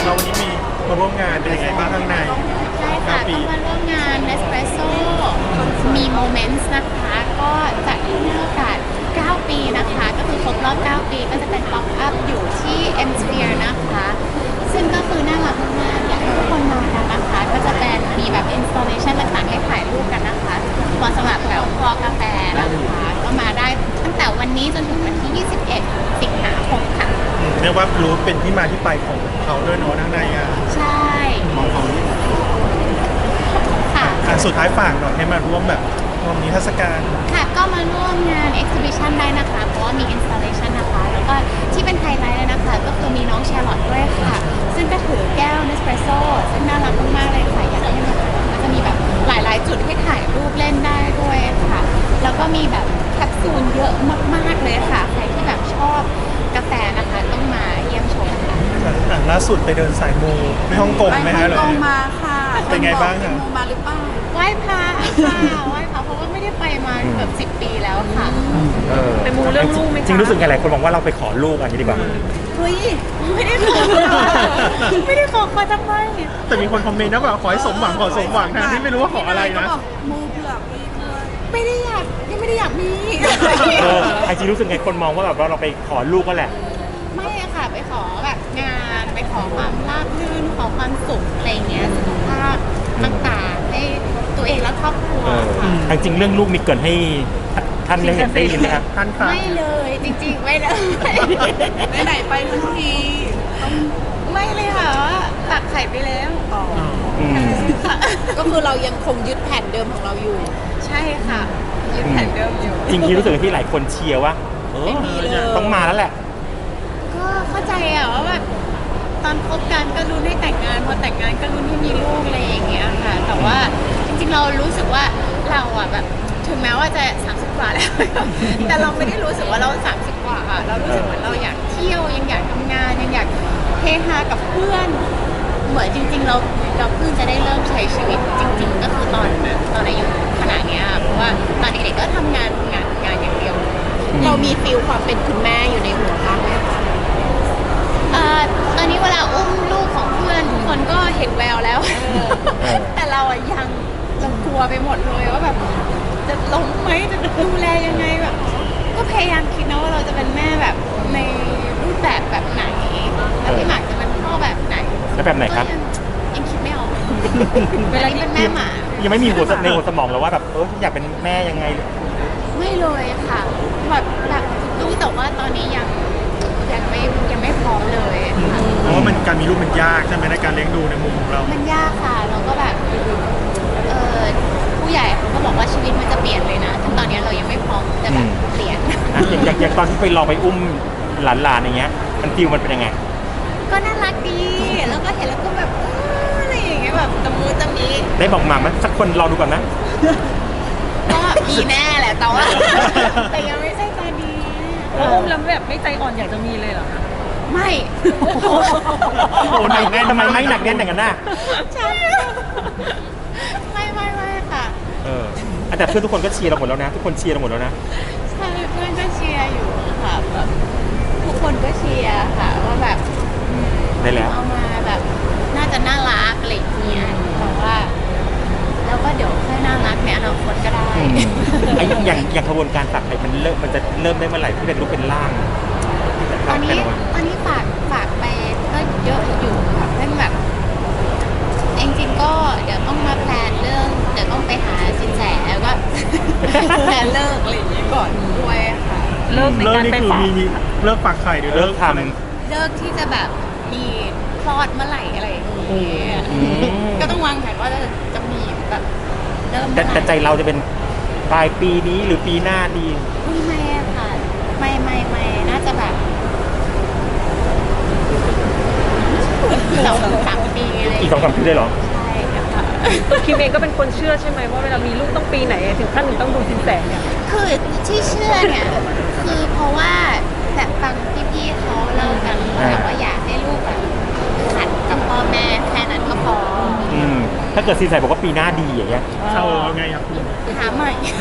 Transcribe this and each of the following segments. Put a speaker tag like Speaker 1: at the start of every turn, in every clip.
Speaker 1: เราวันนี้มีมาร่วมงานเป็นยังไงบ้างข้างใน
Speaker 2: ใช่ค่ะก็มาร่วมงาน Nespresso มี Moments นะคะก็จัดในโอกาส 9 ปีนะคะก็คือครบรอบ 9 ปีก็จะเป็น Pop Up อยู่ที่ M Sphere นะคะซึ่งก็คือน่ารักมากๆอยากให้ทุกคนมากันนะคะก็จะเป็นมีแบบ installation ต่างๆให้ถ่ายรูปกันนะคะเหมาะสำหรับแบบคอกาแฟนะคะก็มาได้ตั้งแต่วันนี้จนถึงวันที่ 21 สิงหาคมค่ะ
Speaker 1: เรียกว่ารู้เป็นที่มาที่ไปของเขาด้วยเนาะข้างในอ่ะ
Speaker 2: ใช่ค่ะ
Speaker 1: สุดท้ายฝากหน่อยให้มาร่วมแบบร่วมนิทรรศการ
Speaker 2: ค่ะก็มาร่วมงาน exhibition ได้นะคะเพราะว่ามี installation นะคะแล้วก็ที่เป็นไฮไลท์เลยนะคะก็คือมีน้องแชร์ลอตด้วยค่ะซึ่งก็ถือแก้ว Nespresso ซึ่งน่ารักมากๆเลยค่ะอยากให้มาก็จะมีแบบหลายๆจุดให้ถ่ายรูปเล่นได้ด้วยค่ะแล้วก็มีแบบแคปซูลเยอะมากๆเลยค่ะใครที่แบบชอบกาแฟนะคะต้องมาเยี่ยมชมค่ะ
Speaker 1: ล่าสุดไปเดินสายมูไปฮ่องกงไหมฮะ
Speaker 3: ไปฮ่องกงมาค่ะ
Speaker 1: เป็นไงบ้าง
Speaker 3: ไป
Speaker 1: อะ
Speaker 3: มูมาหรือเปล่า
Speaker 2: ไหว้พระค่ะไหว้พระเพราะว่าไม่ได้ไปมาเกือบ10 ปีแล้วค่ะ
Speaker 4: ไปมูเรื่องลูกไหมจริงรู้สึกไงหลายคนบอกว่าเราไปขอลูกอันนี้ดีกว่า
Speaker 2: เฮ้ยไม่ได้ขอไม่ได้ขอมาทำไม
Speaker 1: แต่มีคนคอมเมนต์นะว่าขอให้สมหวังขอสมหวังทั้งที่ไม่รู้ว่าขออะไรนะ
Speaker 3: ก็บอกมูเผื่อมีด้วย
Speaker 2: ไม่ได้อยากยังไม่ได้อยากมี
Speaker 4: ไอจีรู้สึกไงคนมองว่าแบบว่าเราไปขอลูกก็แหละ
Speaker 2: ไม่อะค่ะไปขอแบบงานไปขอความราบรื่นขอความสุขอะไรเงี้ยสุขภาพต่างๆให้ตัวเองและครอบครัวค่ะ
Speaker 4: จริงๆเรื่องลูกมีเกินให้ท่านได้ยินไหมครับ
Speaker 1: ท่านครับ
Speaker 2: ไม่เลยจริงๆไม่เลย
Speaker 3: ไหนๆไปทั้งที
Speaker 2: ไม่เลยค่ะว่าตักไข่ไปแล้ว ค่ะ
Speaker 3: ก็คือเรายังคงยึดแผนเดิมของเราอยู่
Speaker 2: ใช่ค่ะยึดแผนเดิมอยู่
Speaker 4: จริงๆรู้สึกที่หลายคนเชียร์ว่า
Speaker 3: ไม่มีเลย
Speaker 4: ต้องมาแล้วแหละ
Speaker 2: ก็เข้าใจอะว่าแบบตอนคบกันก็รุ้นให้แต่งงานพอแต่งงานก็รุ้นให้มีลูกอะไรอย่างเงี้ยค่ะ แต่ว่าจริงๆเรารู้สึกว่าเราอะแบบถึงแม้ว่าจะ30 กว่าแล้ว แต่เราไม่ได้รู้สึกว่าเรา30 กว่าอะเรารู้สึกเหมือนเราอยากเที่ยวยังอยากทำงานยังอยากเฮฮากับเพื่อนเหมือนจริงๆเราเพิ่งจะได้เริ่มใช้ชีวิตจริง ๆ ก็คือตอนอายุขนาดเนี้ยเพราะว่าตอนเด็กๆก็ทำงานอย่างเดียว
Speaker 3: เรามีฟิลความเป็นคุณแม่อยู่ในหัวบ้างไหมคะ
Speaker 2: ตอนนี้เวลาอุ้มลูกของเพื่อนทุกคนก็เห็นแววแล้ว แต่เราอะยังเรากลัวไปหมดเลยว่าแบบจะล้มไหมจะดูแลยังไงแบบ ก็พยายามคิดนะว่าเราจะเป็นแม่แบบในรูปแบบไหนแล้วพี่หมากจะเป็นพ่อแบบไหน
Speaker 4: แล้วแบบไหนครับ
Speaker 2: ก็ยังคิดไม่ออกเวลานี้เป็นแม่หมา
Speaker 4: ยังไม่มีในหัวสมองแล้วว่าแบบอยากเป็นแม่ยังไง
Speaker 2: ไม่เลยค่ะแบบรู้แต่ว่าตอนนี้ยังไม่พร้อมเลยค่ะ
Speaker 1: เพราะว่ามันการมีลูกมันยากใช่ไหมในการเลี้ยงดูในมุมของเรา
Speaker 2: มันยากค่ะแล้วก็แบบผู้ใหญ่เขาก็บอกว่าชีวิตมันจะเปลี่ยนเลยนะซึ่งตอนนี้เรายังไม่พร้อมจะแบบเปลี่ยน
Speaker 4: อย่างตอนที่ไปลองไปอุ้มหลานๆอย่างเงี้ยมันฟิลมันเป็นยังไง
Speaker 2: ก็น่ารักดีแล้วก็เห็นแล้วก็แบบอะไรอย่างเงี้ยแบบตะมูตะมี
Speaker 4: ได้บอกหมาไหมสักคนรอดูก่อนนะ
Speaker 2: ก็มีแน่แหละแต่ว่า แต่ยังไม่ใช่ตอนนี้
Speaker 5: อุ้มแล้วแบบไม่ใจอ่อนอยากจะมีเลยเหรอคะ
Speaker 2: ไม่
Speaker 4: โอ้หนักแน่นทำไมไม่หนักแน่นอย่างนั้นน่ะ
Speaker 2: ใช่ไม่ค่ะ
Speaker 4: แต่เพื่อนทุกคนก็เชียร์เราหมดแล้วนะ ทุกคนเชียร์เราหมดแล้วนะ
Speaker 2: ใช่เพื่อนก็เชียร์อยู่ค่ะแบบทุกคนก็เชียร์ค่ะว่าแบบอืม
Speaker 4: ได้แล้ว
Speaker 2: เอามาแบบน่าจะน่ารักอะไรอย่างเงี้ยแต่ว่าแล้วก็เดี๋ยวค่อยน่ารักในอนาคตก็ได้
Speaker 4: ไอ้อย่างกระบวนการตัดไอ้มันจะเริ่มได้เมื่อไหร่ที่เป็นรูปเป็นร่าง
Speaker 2: ตอนนี้ฝากไปก็เยอะอยู่ค่ะเรื่องแบบจริงๆก็เดี๋ยวต้องมาแพลนเรื่องเดี๋ยวต้องไปหาสินแสแล้วก็ แพลนเลิกอะไรอย่างเงี้ยก่อนด้วยค่ะ
Speaker 5: เลิกใน
Speaker 1: เลิก
Speaker 5: การ
Speaker 1: นี่
Speaker 5: ไป
Speaker 1: คือ
Speaker 5: ฝาก
Speaker 1: มีเลิกฝากไข่หรือ
Speaker 4: เลิกท
Speaker 2: เลิกที่จะแบบมีคลอดเมื่อไหร่อะไรอย่างเงี้ย ก็ต้องวางแผนว่าจะมีแบบเริ่ม
Speaker 4: ำ
Speaker 2: เมื่อไห
Speaker 4: แต่ใจ
Speaker 2: ร่
Speaker 4: เราจะเป็นปลายปีนี้หรือปีหน้าดี
Speaker 2: ไม่อะค่ะไม่น่าจะแบบ2-3 ปีอะไร
Speaker 4: อีก2-3 ปีได้เหรอ
Speaker 2: ใช่ค่ะ
Speaker 5: คิมเองก็เป็นคนเชื่อใช่ไหมว่าเวลามีลูกต้องปีไหนถึงขั้นถึงต้องดูสินแสเนี่ย
Speaker 2: คือที่เชื่อเนี่ยคือเพราะว่าแบบฟังพี่ๆเขาเล่ากันเขาบอกว่าอยากให้ลูกแบบขัดกับพ่อแม่แค่นั้นก็พอ
Speaker 4: ถ้าเกิดซีนใส่บอกว่าปีหน้าดีอย่างเงี้ย
Speaker 1: เข้าไงครับคุณ
Speaker 2: หาใหม่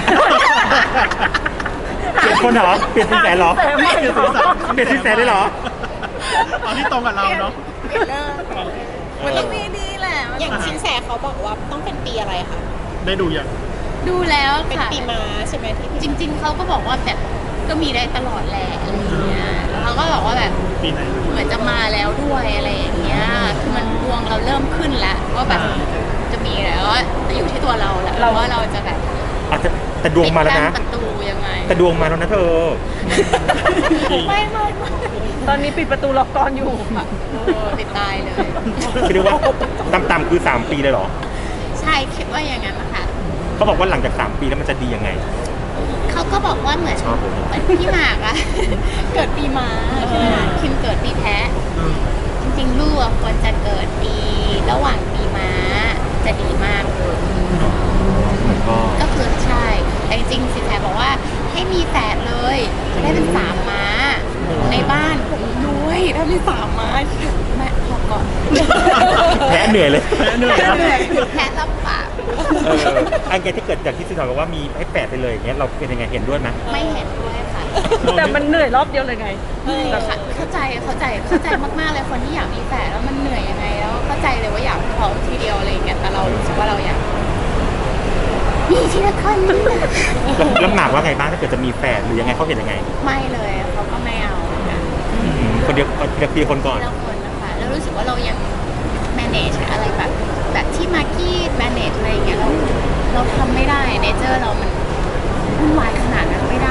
Speaker 4: เปลี่ยนคนเหรอ เปลี่ยนซีนแสเหรอ
Speaker 5: แต่ไม่
Speaker 4: เปลี่ยนซีนแสได้เหรอ
Speaker 1: ตอนที่ตรงกับเราเนาะ
Speaker 2: เปลี่ยนเลิกมันต้องมีดีแหละ
Speaker 3: อย่างชินแสเขาบอกว่าต้องเป็นปีอะไรคะ
Speaker 1: ได้ดูยัง
Speaker 2: ดูแล้ว
Speaker 3: เป็น
Speaker 2: ค่ะ
Speaker 3: ปีม้าใช่ไหมที่
Speaker 2: จริง ๆเขาก็บอกว่าแบบก็มีได้ตลอดแหละอะไรอย่างเงี้ยแล้วเขาก็บอกว่าแบบ
Speaker 1: ปีไหน
Speaker 2: เหมือนจะมาแล้วด้วยอะไรอย่างเงี้ยคือมันดวงเราเริ่มขึ้นแล้วว่าแบบจะมีแล้วแต่อยู่ที่ตัวเราแหละว่าเราจะแบบ
Speaker 4: อาจจะแต่ดวงมาแล้วนะ
Speaker 2: ปิดกั้ประตูยังไง
Speaker 4: แต่ดวงมาแล้วนะเธอ
Speaker 2: ไม่
Speaker 5: ตอนนี้ปิดประตูล็อกกรอยู่
Speaker 2: ปิดตายเลย
Speaker 4: คิดดูว่าต่ำๆคือ 3 ปีเลยเหรอ
Speaker 2: ใช่คิดว่าอย่างนั้นนะคะ
Speaker 4: เขาบอกว่าหลังจาก 3 ปีแล้วมันจะดียังไง
Speaker 2: เขาก็บอกว่าเหมือน
Speaker 4: ชอบเลย
Speaker 2: เหมือนพี่หมากอะ เกิดปีม้าใช่ไหมคะคิมเกิดปีแพะ จริงๆลูกอะควรจะเกิดปีระหว่างปีม้าจะดีมากเลย
Speaker 4: ก็
Speaker 2: ก็คือใช่แต่จริงๆสิแพรบอกว่าให้มีแฝดเลยจะได้เป็น3 ม้า ในบ้านรวยถ้ามี3 ม้าแม่พอก่อน
Speaker 4: แพ้เหนื่อยเลย
Speaker 1: แพ้เหนื่อยครับ
Speaker 2: แพะรับปาก
Speaker 4: ไอ้แกที่เกิดจากที่สิทธาบอกว่ามีให้แปดไปเลยอย่างเงี้ยเราเป็นยังไงเห็นด้วยไหม
Speaker 2: ไม่เห็นด้วยค่ะ
Speaker 5: แต่มันเหนื่อยรอบเดียวเลยไง
Speaker 2: แต่เข้าใจมากๆเลยคนที่อยากมีแฝดแล้วมันเหนื่อยยังไงแล้วเข้าใจเลยว่าอยากพร้อมทีเดียวอะไรอย่างเงี้ยแต่เรารู้สึกว่าเราอยากมีทีละคนนี่แหละ
Speaker 4: แล้วหมากว่าไงบ้างถ้าเกิดจะมีแฟนหรือยังไงเขาเห็นยังไง
Speaker 2: ไม่เลยเขาก็ไม่เอาเหมือนกัน
Speaker 4: คนเดียวคนก่อน
Speaker 2: เราคนนะคะแล้วรู้สึกว่าเรายัง manage อะไรแบบที่มาร์กี้ manage อะไรอย่างเงี้ยเราทำไม่ได้เนเจอร์เรามันวุ่นวายขนาดนั้นไม่ได้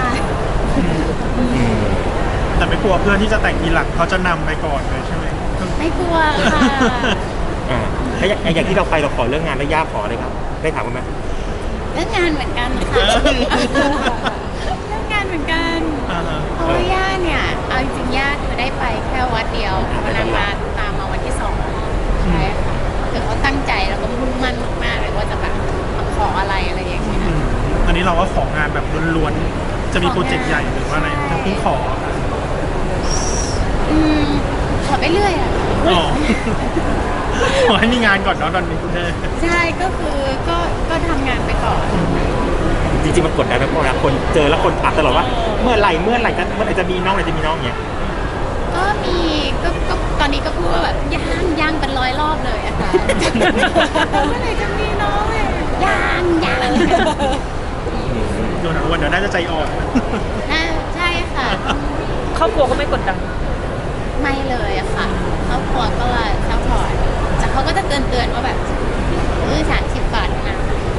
Speaker 1: แต่ไม่กลัวเพื่อนที่จะแต่งทีหลังเขาจะนำไปก่อนเลยใช่ไหม
Speaker 2: ไม่กลัวค่ะ
Speaker 4: แล้วอย่างที่เราไปเราขอเรื่องงานแล้วย่าขอเลยครับ ได้ถามกันไหม
Speaker 2: เรื่องงานเหมือนกันค่ะ เรื่องงานเหมือนกัน
Speaker 1: อ่าฮะ
Speaker 2: เพราะว่าย่าเนี่ยเอาจริงๆย่าคือได้ไปแค่วัดเดียววันนั้นมาตามมาวันที่2ใช่ค่ะคือเขาตั้งใจแล้วก็มุ่งมั่นมากๆเลยว่าจะแบบมาขออะไรอย่างเงี้ย
Speaker 1: อันนี้เราก็ของานแบบล้วนๆ จะมีโปรเจกต์ใหญ่หรือว่าอะไรจะเพิ่งขอ
Speaker 2: ขอไปเรื่อยอ่ะ
Speaker 1: อ๋อ ขอให้มีงานก่อนเนาะตอนนี้
Speaker 2: ใช่ก็คือก็ทำงานไปก่อน
Speaker 4: จริงๆมันกดดันนะเพราะเวลาคนเจอแล้วคนถามตลอดว่าเมื่อไหร่จะมีน้องเงี้ย
Speaker 2: ก็มีก็ตอนนี้ก็พูดว่าแบบย่างเป็น100 รอบเลยอะค่ะ เมื่อไหร่จะมีน้องเลยย่าง
Speaker 1: โดนอ้วนเดี๋ยวน่าจะใจอ่อน
Speaker 2: ใช่ค่ะ
Speaker 5: ครอบครัวก็ไม่กดดัน
Speaker 2: ไม่เลยอะค่ะครอบครัวก็ซัพพอร์ตแต่เขาก็จะเตือนว่าแบบ30 บาทนะ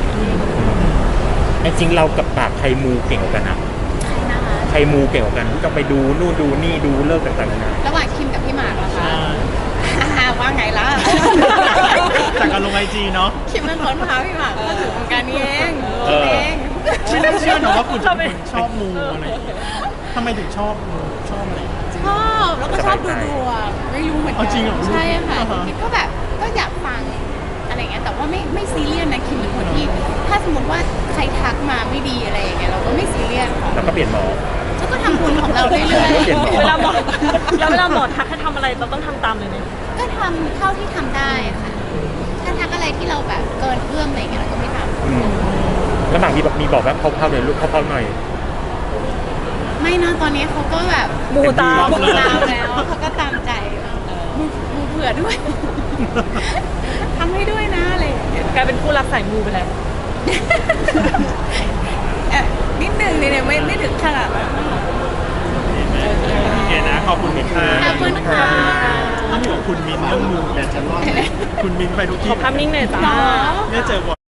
Speaker 4: จริงๆเรากับปากใครมูเก่งกว่ากันนะ
Speaker 2: ใช่นะคะ
Speaker 4: ใครมูเก่งกว่ากันที่ต้องไปดูนู่นดูนี่ดูเลิกต่างๆนานา
Speaker 2: ระหว่างคิมกับพี่หมากเหรอคะว่าไงล่ะ
Speaker 1: จากการลงไอจีเนาะ
Speaker 2: คิมเป็นคนพาพี่หมากเข้าถึงวงการนี้เองคิดเอง
Speaker 1: ไม่น่าเชื่อนะว่าคุณจะเป็นคนชอบมูอะไรทำไมถึงชอบมูชอบอะไร
Speaker 2: ชอบแล้วก็ชอบดูดวงไม่รู้เหมือนกั
Speaker 1: เอาจริงเหรอ
Speaker 2: ใช่ค่ะ
Speaker 1: อ่าฮะ
Speaker 2: คิมก็แบบก็อยากฟังอะไรอย่างเงี้ยแต่ว่าไม่ซีเรียสนะคิมเป็นคนที่ถ้าสมมติว่าใครทักมาไม่ดีอะไรอย่างเงี้ยเราก็ไม่ซีเรียสค่ะ
Speaker 4: แล้วก็เปลี่ยนหมอ
Speaker 2: แล้วก็ทำบุญของเราเรื่อย
Speaker 4: เปลี่ยนหมอ
Speaker 5: เวลาหมอทักให้ทำอะไรเราต้องทำตามเลยไหม
Speaker 2: ๆก็ทำเท่าที่ทำได้ค่ะถ้าทักอะไรที่เราแบบเกินเอื้อมอะไรอย่างเงี้ยเราก็ไม่ท
Speaker 4: แล้วหมากมีบอกว่าเข้าๆเลยลูกเข้าๆหน่อย
Speaker 2: ำไม่นะตอนนี้เขาก็แบบ
Speaker 5: มูตาม
Speaker 2: ตามแล้วเขาก็ตามใจมูเผื่อด้วย ทำให้ด้วยนะอะไรอย่างเงี้ย
Speaker 5: กลายเป็นผู้รักสายมูไปแล้ว
Speaker 2: นิดนึงเนี่ยไม่ถึงขนาดนั้น
Speaker 1: โอเคนะ ขอบคุณค่ะ
Speaker 2: ขอบคุณค่ะ
Speaker 1: ต้องอยู่กับคุณมินเรื่องมูแต่ฉันว่าคุณมินไปทุกที่
Speaker 5: ขอภาพนิ่งหน่อยจ้า
Speaker 2: หรอ
Speaker 1: ไม่ได้เจอบ่อย